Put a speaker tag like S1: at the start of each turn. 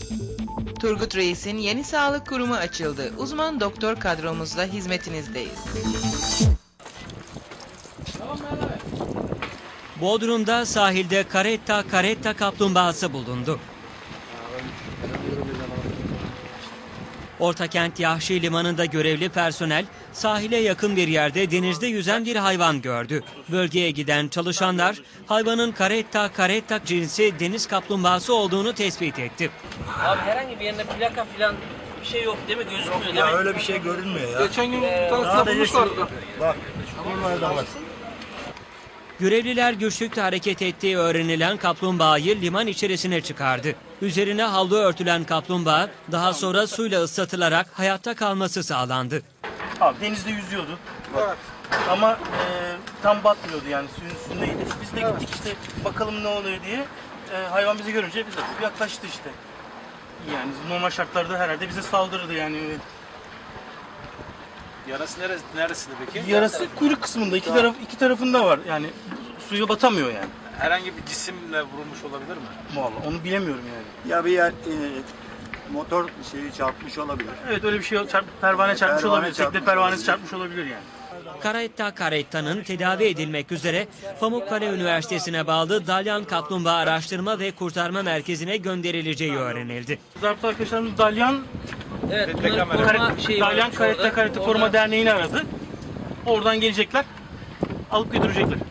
S1: Turgut Reis'in yeni sağlık kurumu açıldı. Uzman doktor kadromuzla hizmetinizdeyiz.
S2: Bodrum'da sahilde karetta kaplumbağası bulundu. Ortakent Yahşi Limanı'nda görevli personel sahile yakın bir yerde denizde yüzen bir hayvan gördü. Bölgeye giden çalışanlar hayvanın karetta cinsi deniz kaplumbağası olduğunu tespit etti.
S3: Abi herhangi bir yerinde plaka falan bir şey yok değil mi? Gözükmüyor değil mi?
S4: Ya öyle bir şey görünmüyor ya.
S5: Geçen gün tanısına bulmuşlardı.
S4: Bak, buralarda var.
S2: Görevliler güçlükle hareket ettiği öğrenilen kaplumbağayı liman içerisine çıkardı. Üzerine havlu örtülen kaplumbağa daha sonra suyla ıslatılarak hayatta kalması sağlandı.
S6: Abi denizde yüzüyordu. Evet. Ama tam batmıyordu yani suyun üstündeydi. Biz de gittik işte bakalım ne oluyor diye. Hayvan bizi görünce bize yaklaştı işte. Yani normal şartlarda herhalde bize saldırırdı yani.
S5: Yarası neresinde peki?
S6: Yarası kuyruk kısmında iki tarafında var yani suya batamıyor yani.
S5: Herhangi bir cisimle vurulmuş olabilir mi?
S6: Vallahi onu bilemiyorum yani.
S4: Ya bir yer motor şeyi çarpmış olabilir.
S6: Evet öyle bir şey pervane çarpmış olabilir. Tekne pervanesi çarpmış olabilir yani.
S2: Karetta'nın tedavi edilmek üzere Pamukkale Üniversitesi'ne bağlı Dalyan Kaplumbağa Araştırma ve Kurtarma Merkezi'ne gönderileceği öğrenildi.
S6: Zabıta arkadaşlarımız Dalyan
S3: Evet, bunların koruma şeyi
S6: Dalyan
S3: var.
S6: Karetta Koruma Derneği'ni aradı. Oradan gelecekler, alıp götürecekler.